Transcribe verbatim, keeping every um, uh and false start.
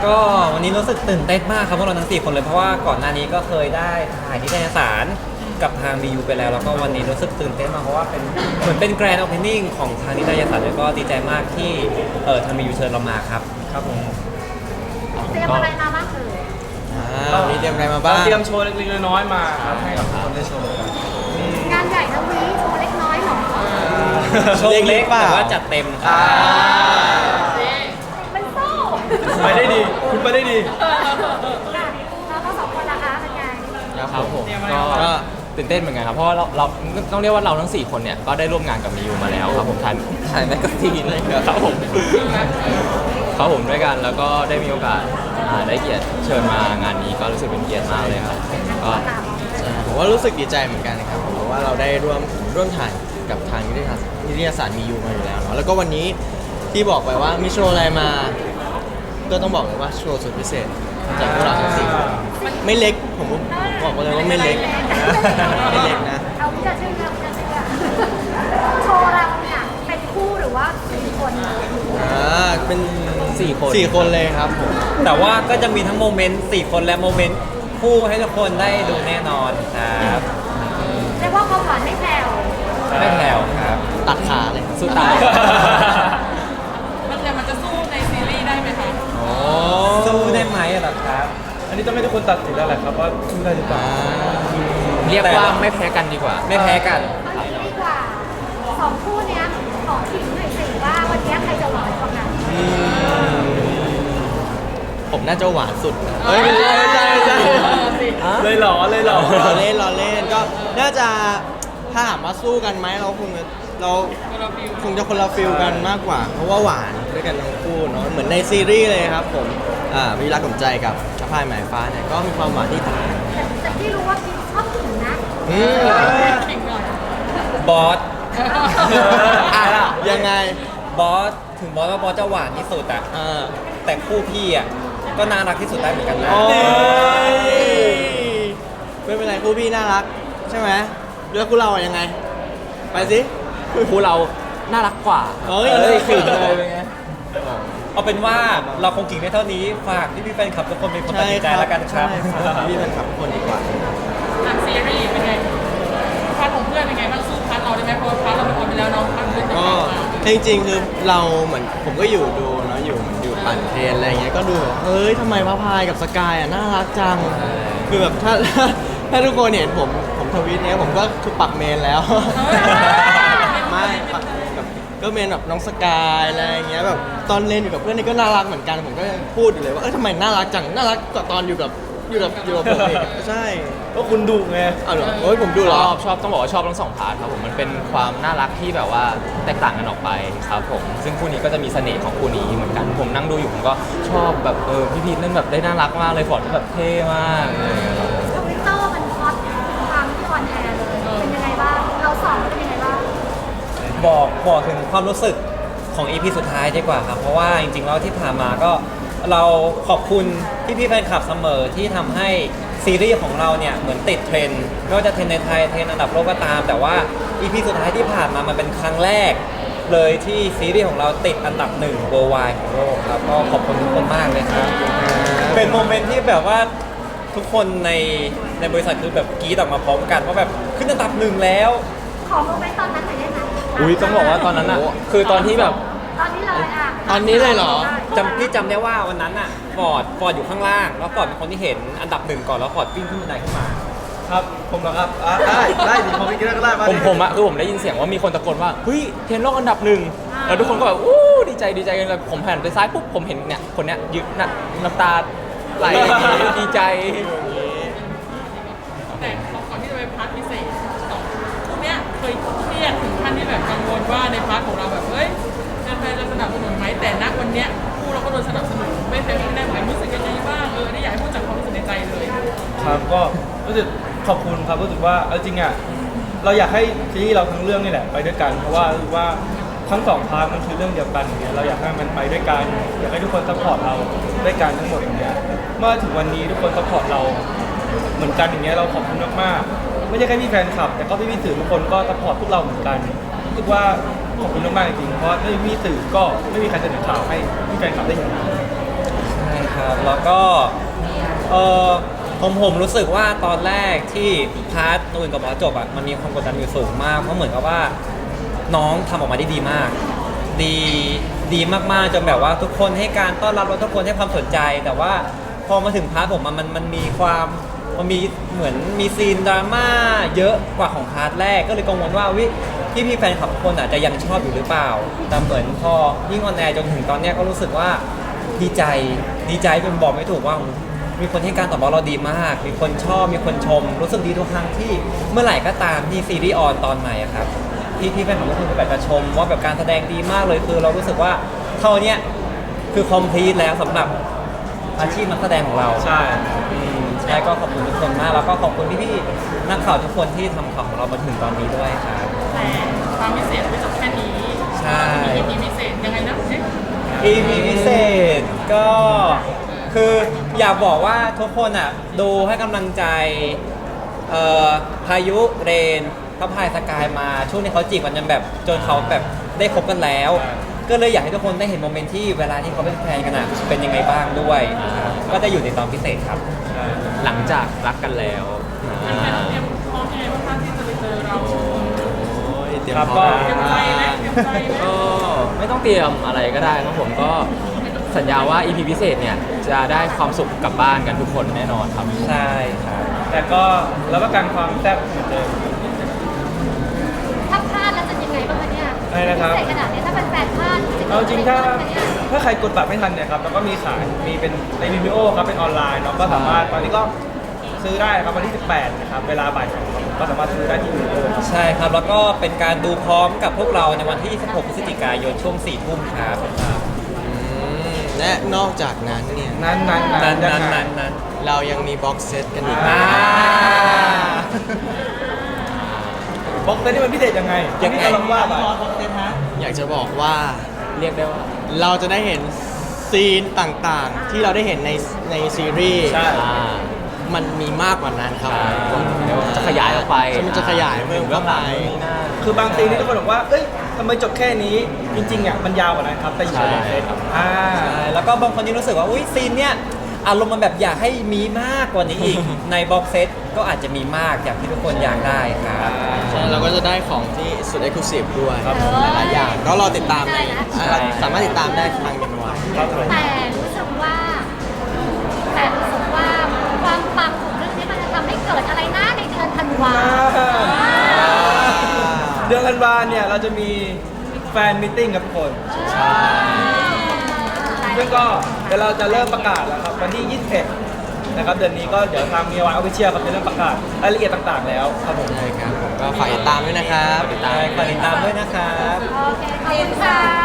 ก็วันนี้รู้สึกตื่นเต้นมากครับพวกเราทั้งสี่คนเลยเพราะว่าก่อนหน้านี้ก็เคยได้ถ่ายนิตยสารกับทาง บี ยู ไปแล้วแล้วก็วันนี้รู้สึกตื่นเต้นมากเพราะว่าเป็นเหมือนเป็นแกรนด์โอเพนนิ่งของทางนิตยสารแล้วก็ดีใจมากที่เออทาง บี ยู เชิญเรามาครับครับผมเตรียมอะไรมาบ้างเอ่ยอ่ามีเตรียมอะไรมาบ้างเราเตรียมโชว์เล็กๆน้อยๆมาครับให้กับทุกคนได้ชมกันงานใหญ่ทั้งวีโชว์เล็กน้อยหรอโชว์เล็กแต่ว่าจัดเต็มครับเป็นโซ่ไปได้ดีคุณไปได้ดีแล้วก็สองคนนะคะเป็นไงครับผมก็ตื่นเต้นเหมือนกันครับเพราะว่าเราเราต้องเรียกว่าเราทั้งสี่คนเนี่ยก็ได้ร่วมงานกับมิวมาแล้วครับผมถ่ายถ่ายแมกกาซีนอะไรครับผมครับผมด้วยกันแล้วก็ได้มีโอกาสอ่าได้เกียรติเชิญมางานนี้ก็รู้สึกเป็นเกียรติมากเลยครับก็ผมว่ารู้สึกดีใจเหมือนกันนะครับเพราะว่าเราได้ร่วมร่วมถ่ายกับทางนิตยสารนิตยสารมียูมาอยู่แล้วเนาะแล้วก็วันนี้ที่บอกไปว่ามีโชว์อะไรมา ก็ต้องบอกเลยว่าโชว์สุดพิเศษจากพวกเราทั้งสี่คนไม่เล็กผมบอกเลยว่าไม่เล็กไม่เล็กนะเอาพี่จะเชื่อเอาพี่จะเชื่อโชว์เราเนี่ยเป็นคู่หรือว่าสี่คนอ่าเป็นสี่คนสี่คนเลยครับผมแต่ว่าก็จะมีทั้งโมเมนต์สี่คนและโมเมนต์คู่ให้ทุกคนได้ดูแน่นอนครับเรียกว่าความหวานไม่แผ่วไม่แผ่วครับตัดขาเลยสู้ตายมันจะมันจะสู้ในซีรีส์ได้ไหมคะโอ้สู้ได้ไหมล่ะครับอันนี้ต้องให้ทุกคนตัดสินแล้วแหละครับว่าสู้ได้หรือเปล่าเรียกว่าไม่แพ้กันดีกว่าไม่แพ้กันเอาอย่างนี้ดีกว่าสองคู่เนี้ยขอขิงหน่อยสิว่าวันนี้ใครจะหวานกว่ากันผมน่าจะหวานสุดนะเฮ้ยไม่ใช่ไม่ใช่ไม่ใช่เลยเหรอเลยเหรอเราเล่นเราเล่นก็น่าจะถ้าถามว่าสู้กันไหมเราคงจะเราคงจะคนละฟิลกันมากกว่า เพราะว่าหวานด้วยกันทั้งคู่เนาะเหมือนในซีรีส์เลยครับผมอ่าวิรักสมใจกับชะพายหมายฟ้าเนี่ยก็มีความหวานที่ต่างกันแต่แต่ที่รู้ว่าพี่ชอบขิงนะอืมขิงหน่อยบอสอ่ะยังไงบอสถึงบอสว่าบอสจะหวานที่สุดอะอ่าแต่คู่พี่อะก็น่ารักที่สุดได้เหมือนกันนะโอ้ยไม่เป็นไรคู่พี่น่ารักใช่ไหมแล้วคู่เราอะยังไง ไปสิคู่เราน่ารักกว่าเอ้ยเอ้ยขิงเลยเป็นไงเอาเป็นว่าเราคงกิ่งได้เท่านี้ฝากพี่พี่ๆแฟนคลับทุกคนเป็นคนตัดสินใจแล้วกันครับใช่ครับพี่เป็นขับคนดีกว่าอ่ะซีรีส์เป็นไงพาร์ทของเพื่อนเป็นไงบ้างสู้พาร์ทเราได้ไหมเพราะว่าพาร์ทเราเป็นคนไปแล้วน้องพาร์ทเพื่อนจะก็กลับมาจริงๆคือเราเหมือนผมก็อยู่ดูเนาะอยู่เหมือนอยู่ปั่นเทรนอะไรอย่างเงี้ยก็ดูแบบเฮ้ยทำไมพระพายกับสกายอ่ะน่ารักจังคือแบบถ้า ถ้าทุกคนเห็นผมผมทวิตเนี้ยผมก็คือปักเมนแล้ว ไม่ปักแบบก็เมนแบบน้องสกายอะไรอย่างเงี้ยแบบตอนเล่นอยู่กับเพื่อนนี่ก็น่ารักเหมือนกันผมก็ยังพูดอยู่เลยว่าเออทำไมน่ารักจังน่ารักกว่าตอนอยู่กับอยู่กับอยู่กับผมอีกใช่ก็คุณดุไงเอาเหรอโอ้ยผมดูเหรชออบชอบต้องบอกว่าชอบทั้งสองพาร์ทครับผมมันเป็นความน่ารักที่แบบว่าแตกต่างกันออกไปครับผมซึ่งคู่นี้ก็จะมีเสน่ห์ของคู่นี้เหมือนกันผมนั่งดูอยู่ผมก็ชอบแบบเออพี่พีทเล่นแบบได้น่ารักมากเลยฟอร์ดก็แบบเท่มากอะไรอย่างเงี้ยครับทวิตเตอร์มันฮอตความที่ออนแอร์เลยเป็นยังไงบ้างเราสองเป็นยังไงบ้างบอกบอกถึงความรู้สึกของ อี พี สุดท้ายดีกว่าครับ เพราะว่าจริงๆแล้วที่ผ่านมาก็เราขอบคุณพี่พี่ๆแฟนคลับเสมอที่ทำให้ซีรีส์ของเราเนี่ยเหมือนติดเทรนด์ไม่ว่าจะเทรนด์ในไทยเทรนด์อันดับโลกก็ตาม แต่ว่า อี พี สุดท้ายที่ผ่านมามันเป็นครั้งแรก เลยที่ซีรีส์ของเราติดอันดับหนึ่ง worldwide ของโลกครับก็ขอบคุณทุกคนมากเลยครับเป็นโมเมนต์ที่แบบว่าทุกคนในในบริษัทคือแบบกรี๊ดออกมาพร้อมกันว่าแบบขึ้นอันดับหนึ่งแล้วขอโมเมนต์ตอนนั้นหน่อยได้ไหมอุ้ยต้องบอกว่าตอนนั้นอ่ะคือตอนที่แบบตอนนี้เลยอ่ะตอนนี้เลยเหรอจำพี่จำได้ว่าวันนั้นน่ะฟอร์ดฟอร์ดอยู่ข้างล่าง แล้วฟอร์ดเป็นคนที่เห็นอันดับหนึ่งก่อนแล้วฟอร์ดวิ่งขึ้นบันไดขึ้นมาครับผมเหรอครับอ่ะได้ได้ดิผมไม่กินก็ได้มาผดิมผมอะคือผมได้ยินเสียงว่ามีคนตะโกนว่าเฮ้ยเทรนด์โลกอันดับหนึ่งแล้วทุกคนก็แบบอู้ดีใจดีใจกันเลยผมหันไปซ้ายปุ๊บผมเห็นเนี่ยคนเนี้ยยืนน่ะน้ำตาไหลดีใจแต่ก่อนที่จะไปพาร์ทพิเศษสองคู่เนี้ยเคยเครียดถึงขั้นที่แบบกังวลว่าในพาร์ทของเราแบบเฮ้ยแฟนๆจะสนับสนุนไหมแต่ณวันเนี้ยคู่เราก็โดนสนับสนุนไม่แพ้ไม่ได้เหมือนรู้สึกยังไงบ้างเออนี่อยากให้พูดจากความรู้สึกในใจเลยครับก็รู้สึกขอบคุณครับรู้สึกว่าเอาจริงอ่ะเราอยากให้ซีรีส์เราทั้งเรื่องนี่แหละไปด้วยกัน เพราะว่ารู้สึกว่าทั้งสองพาร์ทมันคือเรื่องเดียวกันอย่างเงี้ยเราอยากให้มันไปด้วยกันอยากให้ทุกคนซัพพอร์ตเราด้วยกันทั้งหมดอย่างเงี้ยเมื่อถึงวันนี้ทุกคนซัพพอร์ตเราเหมือนกันอย่างเงี้ยเราขอบคุณมากๆไม่ใช่แค่พี่แฟนคลับ แต่ก็พี่พี่ๆสื่อทุกคนก็ซัพพอร์ตพวกเราเหมือนกันรู้สึกว่าขอบคุณมากๆจริงๆเพราะไม่มีสื่อก็ไม่มีใครเสนอข่าวให้พี่แฟนคลับได้เห็นใช่คครับแล้วก็เออผมผมรู้สึกว่าตอนแรกที่พาร์ทตัวอื่นกับบอสจบอ่ะมันมีความกดดันอยู่สูงมากเพราะเหมือนกับว่าน้องทำออกมาได้ดีมาก ดีดีมากๆจนแบบว่าทุกคนให้การต้อนรับแล้วทุกคนให้ความสนใจ แต่ว่าพอมาถึงพาร์ทผมมันมันมันมีความมันมีเหมือนมีซีนดราม่าเยอะกว่าของพาร์ทแรกก็เลยกังวลว่าวิพี่พี่ๆแฟนคลับทุกคนอาจจะยังชอบอยู่หรือเปล่าแต่เหมือนพอยิ่งออนแอร์จนถึงตอนเนี้ยก็รู้สึกว่าดีใจดีใจจนบอกไม่ถูกว่า มีคนให้การตอบรับเราดีมาก มีคนชอบ มีคนชม รู้สึกดีทุกครั้งที่เมื่อไหร่ก็ตามที่ซีรีส์ออนตอนใหม่อะครับที่ที่แฟนของทุกคนแบบจะชมว่าแบบการแสดงดีมากเลยคือเรารู้สึกว่าเท่าเนี้ยคือคอมพลีทแล้วสำหรับอาชีพนักแสดงของเราใช่อืมใช่ก็ขอบคุณทุกคนมาก แล้วก็ขอบคุณพี่ๆนักข่าวทุกคนที่ทำข่าวของเรามาถึงตอนนี้ด้วยครับแต่ความพิเศษไม่จบแค่นี้ใช่มีมีพิเศษยังไงนะเอ๊ะอี พี พิเศษก็คืออยากบอกว่าทุกคนอ่ะดูให้กำลังใจเอ่อพายุเรนพระพายสกายมาช่วงนี้เขาจีบกันจนแบบจนเขาแบบได้คบกันแล้ว ก็เลยอยากให้ทุกคนได้เห็นโมเมนต์ที่เวลาที่เขาเป็นแฟนกันอ่ะเป็นยังไงบ้างด้วยครับก็จะอยู่ในตอนพิเศษครับหลังจากรักกันแล้วแฟนๆเตรียมพร้อมยังไงบ้างคะที่จะไปเจอเราโอ้ยเตรียมครับพร้อมเตรียมใจไหมเตรียมใจไหมก็ไม่ต้องเตรียมอะไรก็ได้ครับผมก็สัญญาว่า อี พี พิเศษเนี่ยจะได้ความสุขกลับบ้านกันทุกคนแน่นอนครับใช่ครับแต่ก็รับประกันความแซ่บเหมือนเดิมถ้าพลาดแล้วจะยังไงบ้างคะเนี่ยอะไรนะครับพิเศษขนาดนี้ถ้าเป็นแฟนพลาดะเอาจริงถ้าเกิดอะไรขึ้นคะเนี่ยถ้าใครกดบัตรไม่ทันเนี่ยครับแล้วก็มีขายมีเป็นในวิดีโอครับเป็นออนไลน์เนาะก็สามารถตอนนี้ก็ซื้อได้ครับวันที่สิบแปดนะครับเวลาบ่ายสองก็สามารถซื้อได้ที่วิดีโอครับใช่ครับแล้วก็เป็นการดูพร้อมกับพวกเราในวันที่ยี่สิบหกพฤศจิกายนช่วงสี่ทุ่มครับอืมและนอกจากนั้นเนี่ยนั้นนั้นนั้นยันั้นงไงนั้นนั้นเรายังมีบ็อกเซตกันอีกอ่าบ็อกเซตนี่มันพิเศษยังไงยังไงที่เราว่าไปอยากจะบอกว่าเรียกได้ว่าเราจะได้เห็นซีนต่างๆ ที่เราได้เห็นในในซีรีส์ใช่อ่ามันมีมากกว่านั้นครับใช่จะขยายออกไปมันจะขยายเพิ่มเข้าไปคือบางซีนที่ทุกคนบอกว่า เอ้ยทำไมจบแค่นี้ จริงๆอ่ะมันยาวกว่านั้นครับ แต่อยู่ในบ็อกเซตอ่าใช่แล้วก็บางคนยังรู้สึกว่าอุ้ยซีนเนี้ยอารมณ์มันแบบอยากให้มีมากกว่านี้อีก ในบ็อกเซตก็อาจจะมีมากอย่างที่ทุกคนอยากได้ครับใช่เราก็จะได้ของที่สุดเอ็กซ์คลูซีฟด้วยครับผมหลายๆอย่างก็รอติดตามในได้นะอ่าสามารถติดตามได้ทางมินวายครับผมแต่รู้สึกว่า แต่รู้สึกว่าความปังของเรื่องนี้มันจะทำให้เกิดอะไรนะในเดือนธันวาเดือนธันวาเนี่ยเราจะมีแฟนมิทติ้งกับทุกคน ซึ่งก็เดี๋ยวเราจะเริ่มประกาศแล้วครับวันที่ยี่สิบเอ็ดนะครับเดือนนี้ก็เดี๋ยวทางมีวายออฟฟิเชียลครับจะเริ่มประกาศรายละเอียดต่างๆแล้วครับผมใช่ครับผมก็ฝากติดตามด้วยนะครับติดตามฝากติดตามด้วยนะครับโอเคขอบคุณค่ะ